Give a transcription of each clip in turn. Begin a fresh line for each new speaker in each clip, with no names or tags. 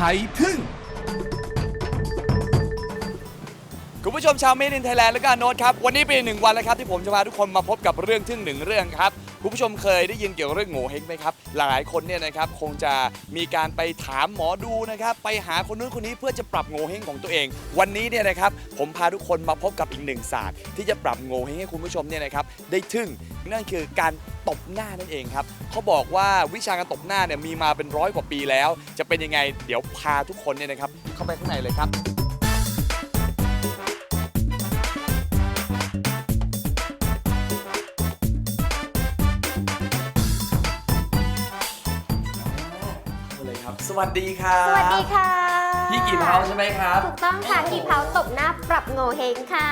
ยทึ่งคุณผู้ชมชาวเมดินไทยแลนด์และก็โน้ตครับวันนี้เป็น1 วันแล้วครับที่ผมจะพาทุกคนมาพบกับเรื่องทึ่ง1 เรื่องครับคุณผู้ชมเคยได้ยินเกี่ยวกับเรื่องโง่เฮงไหมครับหลายคนเนี่ยนะครับคงจะมีการไปถามหมอดูนะครับไปหาคนนู้นคนนี้เพื่อจะปรับโง่เฮงของตัวเองวันนี้เนี่ยนะครับผมพาทุกคนมาพบกับอีก1 ศาสตร์ที่จะปรับโง่เฮงให้คุณผู้ชมเนี่ยนะครับได้ทึ่งนั่นคือการตบหน้านั่นเองครับเขาบอกว่าวิชาการตบหน้าเนี่ยมีมาเป็น100 กว่าปีแล้วจะเป็นยังไงเดี๋ยวพาทุกคนเนี่ยนะครับเข้าไปข้างในเลยครับสวัสดีครับ
สวัสดีค่ะ
พี่กี่เผาใช่ไหมครับ
ถูกต้องค่ะกี่เผาตบหน้าปรับโงเฮงค่ะ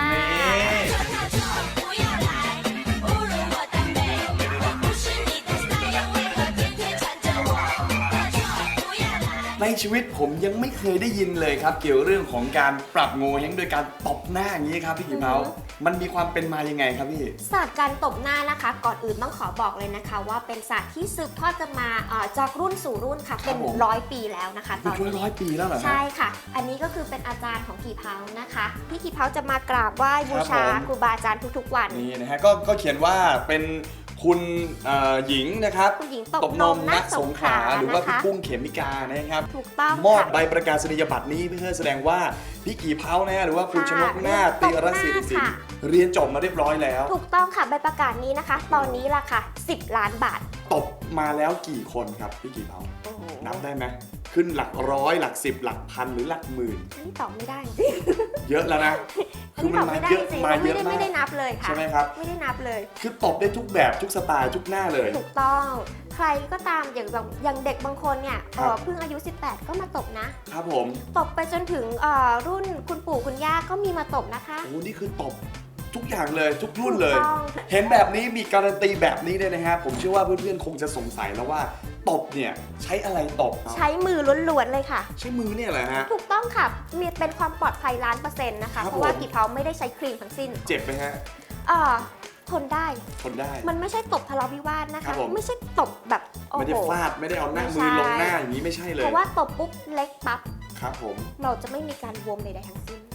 ในชีวิตผมยังไม่เคยได้ยินเลยครับเกี่ยวเรื่องของการปรับโงเฮงโดยการตบหน้าอย่างนี้ครับพี่กี่เผามันมีความเป็นมายังไงครับพี่
ศาสตร์การตบหน้านะคะก่อนอื่นต้องขอบอกเลยนะคะว่าเป็นศาสตร์ที่สืบทอดกันมาจากรุ่นสู่รุ่นค่ะเป็น100 ปีแล้วนะคะ
ตอนนี้100 ปีแล้วเหรอ
ใช่ค่ะอันนี้ก็คือเป็นอาจารย์ของกี่เผานะคะพี่กี่เผาจะมากราบไหว้บูชาครูบาอาจารย์ทุกๆวัน
นี่นะฮะก็เขียนว่าเป็นคุณหญิงนะครับ
คุณหญิงตบนมณสงขลา
หรือว่าพี่กุ้งเขมิกานะครับ
ถูกต้อง
มอบใบประกาศนียบัตรนี้เพื่อแสดงว่าพี่กี่เผานะฮะหรือว่าคุณชนกนาถติรศิริสินเรียนจบมาเรียบร้อยแล้ว
ถูกต้องค่ะใบประกาศนี้นะคะตอนนี้ราคา10 ล้านบาท
ตบมาแล้วกี่คนครับพี่กี่เผานับได้ไหมขึ้นหลักร้อยหลัก10หลักพันหรือหลักหมื่น
นี่ตอบไม่ได้
เยอะแล้วนะ
คือมันมาเยอะมากไม่ได้นับเลยค่ะ
ใช่ไหมครับ
ไม่ได้นับเลย
คือตบได้ทุกแบบทุกสไตล์ทุกหน้าเลย
ถูกต้องใครก็ตามอย่างเด็กบางคนเนี่ยเพิ่งอายุ18ก็มาตบนะครับ
ผม
ตบไปจนถึงรุ่นคุณปู่คุณย่าก็มีมาตบนะคะ
โอ้นี่คือตบทุกอย่างเลยทุกรุ่นเลยเห็นแบบนี้มีการันตีแบบนี้เลยนะฮะผมเชื่อว่าเพื่อนๆคงจะสงสัยแล้วว่าตบเนี่ยใช้อะไรตบ
ใช้มือล้วนๆเลยค่ะ
ใช้มือเนี่ยแหละฮะ
ถูกต้องค่ะมีเป็นความปลอดภัย100%นะคะเพราะว่ากี่เผาไม่ได้ใช้ครีมทั้งสิ้น
เจ็บไหมฮะ
ทนได้มันไม่ใช่ตบทะเลาะวิวาทนะคะไม่ใช่ตบแบบ
ไม่ได้ฟาดไม่ได้เอาหน้ามือลงหน้าอย่างนี้ไม่ใช่เลย
เพราะว่าตบปุ๊บเล็กปั๊บ
ครับผม
เราจะไม่มีการบวมใดๆทั้งสิ้น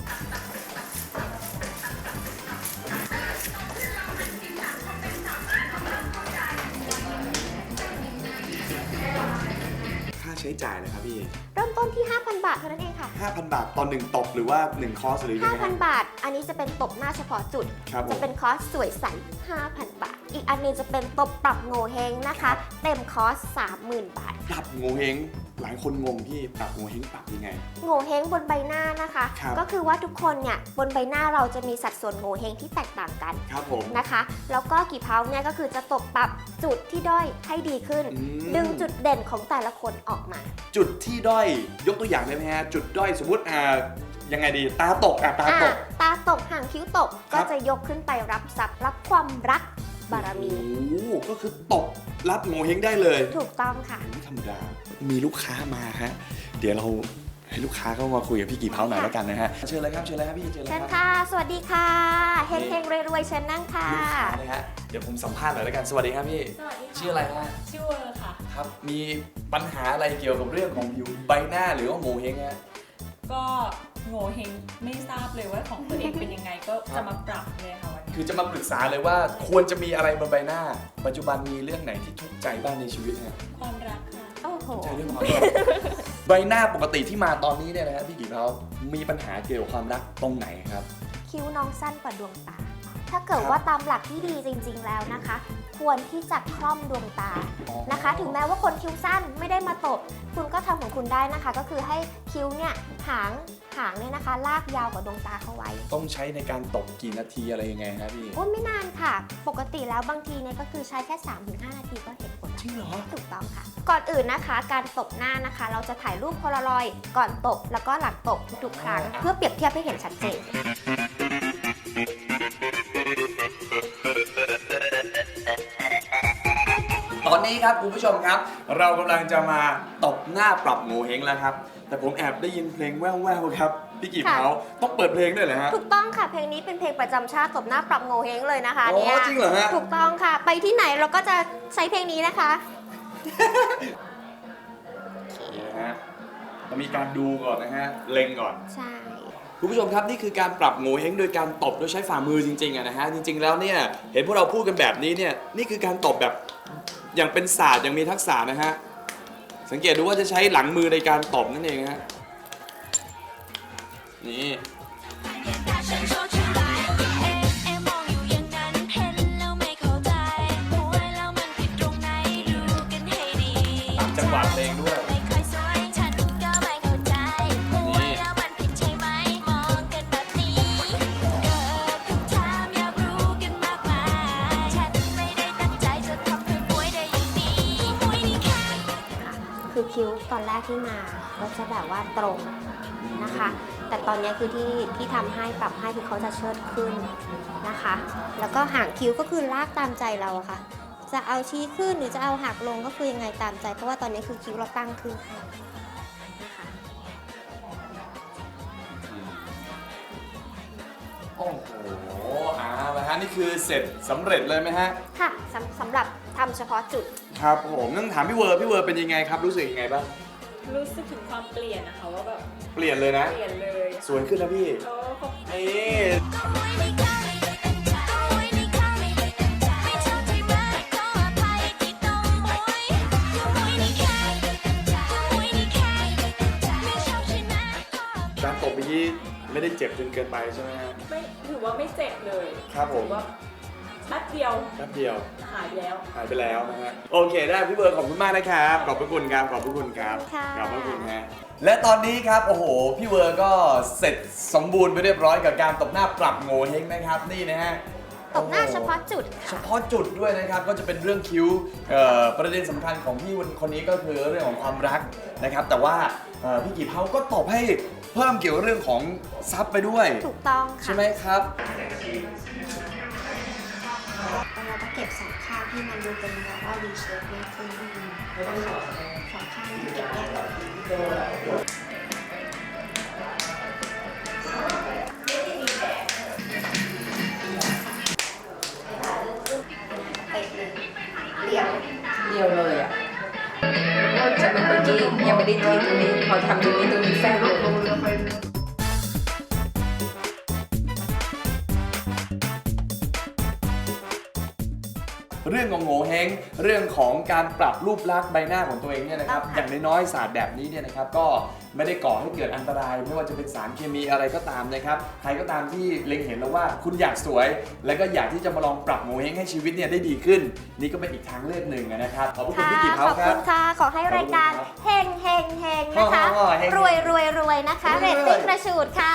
ค่าใช้จ่ายเลยครับพี่
เริ่มต้นที่ 5,000 บาทเท่านั้นเองค่ะ
5,000 บาทต่อ1ตบหรือว่า1คอร์สหรือยังไง
5,000 บาทอันนี้จะเป็นตบหน้าเฉพาะจุดจะเป็นคอร์สสวยใส 5,000 บาทอีกอันนึงจะเป็นตบปรับโงเฮงนะคะเต็มคอร์ส 30,000 บาท
ปรับโงเฮงหลายคนงงพี่ปรับโงเฮงปรับยังไง
โงเฮงบนใบหน้านะคะก็คือว่าทุกคนเนี่ยบนใบหน้าเราจะมีสัดส่วนโงเฮงที่แตกต่างกัน
ครับผม
นะคะแล้วก็กี่เพาเนี่ยก็คือจะตบปรับจุดที่ด้อยให้ดีขึ้นดึงจุดเด่นของแต่ละคนออกมา
จุดที่ด้อยยกตัวอย่างได้ไหมฮะจุดด้อยสมมติยังไงดีตาตก
ตาตกห่างคิ้วตกก็จะยกขึ้นไปรับทรัพย์รับความรักบารมี
ก็คือตบรับโงเฮงได้เลย
ถูกต้องค่ะ
ไม่ธรรมดามีลูกค้ามาฮะเดี๋ยวเราให้ลูกค้าเข้ามาคุยกับพี่กี่เผาหน่อยแล้วกันนะฮะเชิญเลยครับเชิญเลยครับพี่เชิญเลยครับ
ค่ะสวัสดีค่ะเฮงเฮงรวยๆเชิญนั่งค่ะ
ลูกค้าเลยฮะเดี๋ยวผมสัมภาษณ์หน่อยแล้วกันสวัสดีครับพี่
สวัสดีค่ะ
ชื่ออะไรฮะ
ชื่อเวอร์ค่ะ
ครับมีปัญหาอะไรเกี่ยวกับเรื่องของผิวใบหน้าหรือว่าโงเฮงฮะ
ก็โง่เฮงไม่ทราบเลยว่าของตัวเองเป็นยังไงก็จะมาปรับเลยค่ะวันนี้
คือจะมาปรึกษาเลยว่าควรจะมีอะไรบนใบหน้าปัจจุบันมีเรื่องไหนที่ทุกข์ใจบ้างในชีวิตฮะ
ความรักค่ะ
โอ้โห
ใจเรื่องความรักใบหน้าปกติที่มาตอนนี้เนี่ยนะฮะพี่กี่เผามีปัญหาเกี่ยวกับความรักตรงไหนครับ
คิ้วน้องสั้นกว่าดวงตาถ้าเกิดว่าตามหลักที่ดีจริงๆแล้วนะคะควรที่จะคล่อมดวงตานะคะถึงแม้ว่าคนคิ้วสั้นไม่ได้มาตบคุณก็ทำของคุณได้นะคะก็คือให้คิ้วเนี่ยหางเนี่ยนะคะลากยาวกว่าดวงตาเข้าไว้
ต้องใช้ในการตบกี่นาทีอะไรยังไงครับพี่
ไม่นานค่ะปกติแล้วบางทีเนี่ยก็คือใช้แค่ 3-5 นาทีก็เห็นผล
จริงเหรอ
ถูกต้องค่ะก่อนอื่นนะคะการตบหน้านะคะเราจะถ่ายรูปโพลารอยด์ก่อนตบแล้วก็หลังตบทุกครั้งเพื่อเปรียบเทียบให้เห็นชัดเจน
ตอนนี้ครับคุณผู้ชมครับเรากำลังจะมาตบหน้าปรับโงเฮงแล้วครับแต่ผมแอบได้ยินเพลงแว่วๆครับพี่กี่เผาต้องเปิดเพลงด้วยเหรอฮะ
ถูกต้องค่ะเพลงนี้เป็นเพลงประจำชาติตบหน้าปรับโงเฮงเลยนะคะ
เนี่ยจริงเหรอฮะ
ถูกต้องค่ะไปที่ไหนเราก็จะใช้เพลงนี้นะคะ
มีการดูก่อนนะฮะเล็งก่อน
ใช่
คุณผู้ชมครับนี่คือการปรับโงเห้งโดยการตบโดยใช้ฝ่ามือจริงๆอะนะฮะจริงๆแล้วเนี่ยเห็นพวกเราพูดกันแบบนี้เนี่ยนี่คือการตบแบบอย่างเป็นศาสตร์อย่างมีทักษะนะฮะสังเกตดูว่าจะใช้หลังมือในการตบนั่นเองฮะนี่ จังหวะเพลงด้วย
คือคิ้วตอนแรกที่มาก็จะแบบว่าตรงนะคะ แต่ตอนนี้คือที่ทำให้ปรับให้คือเขาจะเชิดขึ้นนะคะ แล้วก็หางคิ้วก็คือลากตามใจเราอะค่ะ จะเอาชี้ขึ้นหรือจะเอาหักลงก็คือยังไงตามใจ เพราะว่าตอนนี้คือคิ้วเราตั้งขึ้นให้นะคะ
โอ้โหละฮะนี่คือเสร็จสำเร็จเลยไหมฮะ
ค่ะสำหรับทำเฉพาะจุด
ครับผมต้องถามพี่เวอร์เป็นยังไงครับรู้สึกยังไงบ้าง
รู้สึกถึงความเปลี่ยนนะคะว่าแบบ
เปลี่ยนเลยนะ
เปลี่ยนเลย
สวยขึ้นนะพี่
โอ้ขอบ
นี่การตบเมื่อกี้ไม่ได้เจ็บจนเกินไปใช่ไหมฮะ
ไม่ถือว่าไม่เจ็บเลย
ครับผม
ถือว่าแป๊บเดียว
แป๊บเดียว
หายแล้ว
หายไปแล้วนะฮะโอเคได้พี่เบิร์ดขอบคุณมากนะครับขอบพระคุณครับขอบพระคุณครับ
ค่ะ
ขอบพระคุณฮะและตอนนี้ครับโอ้โหพี่เวิร์ดก็เสร็จสมบูรณ์ไปเรียบร้อยกับการตบหน้าปรับโงเฮงนะครับนี่นะฮะ
ตบหน้าเฉพาะจุด
เฉ
ค่ะ
พาะจุดด้วยนะครับก็จะเป็นเรื่องคิ้วประเด็นสำคัญของพี่คนนี้ก็คือเรื่องของความรักนะครับแต่ว่าพี่กี่เผาก็ตบให้เพิ่มเกี่ยวกับเรื่องของซับไปด้วย
ถูกต้อง
ใช่
ค่ะ
ไหมครับ
เราก็เก็บสองข้างให้มันดูเป็นแบบว่า V shape มากขึ้นนะคะสองข้างที่เก็บแยกกันเดี่ยว
เดียวเลยอ่ะฉันเป็นเมื่อกี้ยังไม่ได้ทีตรงนี้ พอทำตรงนี้แฟบเลย
เรื่องของโงเฮงเรื่องของการปรับรูปลักษณ์ใบหน้าของตัวเองเนี่ยนะครับ
ค่ะ
อย่างน้อยๆศาสตร์แบบนี้เนี่ยนะครับก็ไม่ได้ก่อให้เกิดอันตราย ไม่ว่าจะเป็นสารเคมีอะไรก็ตามนะครับใครก็ตามที่เล็งเห็นแล้วว่าคุณอยากสวย แล้วก็อยากที่จะมาลองปรับโงเฮงให้ชีวิตเนี่ยได้ดีขึ้น นี่ก็เป็นอีกทางเลือกหนึ่งนะครับขอบพระคุณ
ค่ะ
พี่กิต
ข
เขา
อบ
ครั
คุ
บ
ณค่ะ ขอให้รายการ
ขอบคุณครับ
เฮงเฮงเฮงนะคะ
เฮง
รวยรวยรวยนะคะ เรตติ้งกระฉูดค่ะ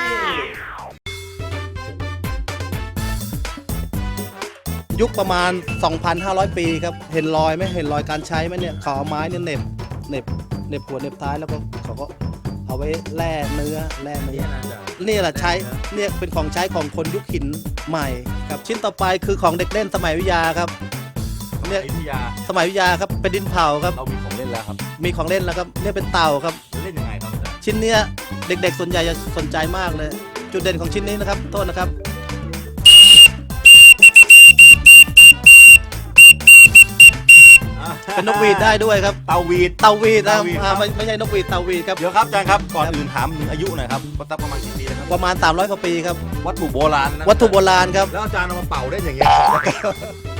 ยุคประมาณ 2,500 ปีครับ เห็นรอยไหมเห็นรอยการใช้ไหมเนี่ยเขาเอาไม้เนี่ยเหน็บหัวเหน็บท้ายแล้วก็เขาก็เอาไว้แล่เนื้อนี่แหละใช้เนี่ยเป็นของใช้ของคนยุคหินใหม่ครับชิ้นต่อไปคือของเด็กเล่นสมัยวิทยาครับเนี่ย
วิทยา
สมัยวิทยาครับเป็นดินเผาครับ
เรามีของเล่นแล้วครับ
มีของเล่นแล้วครับเนี่ยเป็นเต่าครับ
เล่นยังไงครับอาจารย์
ชิ้นเนี้ยเด็กๆส่วนใหญ่จะสนใจมากเลย จุดเด่นของชิ้นนี้นะครับโทษนะครับเป็นนกหวีดได้ด้วยครับ
เตาวีด
เตาหวีดนะ
เตาหวีดครับ
ไม่ใช่นกหวีดเตาหวีดครับ
เดี๋ยวครับอาจารย์ครับ ก่อนอื่นถามถึงอายุหน่อยครับว่าตั้งประมาณกี่ปีแล้วครับ
ประมาณ300 กว่าปีครับ
วัตถุโบราณนะ
วัตถุโบราณครับ
แล้วอาจารย์เอามาเป่าได้อย่างเงี้ย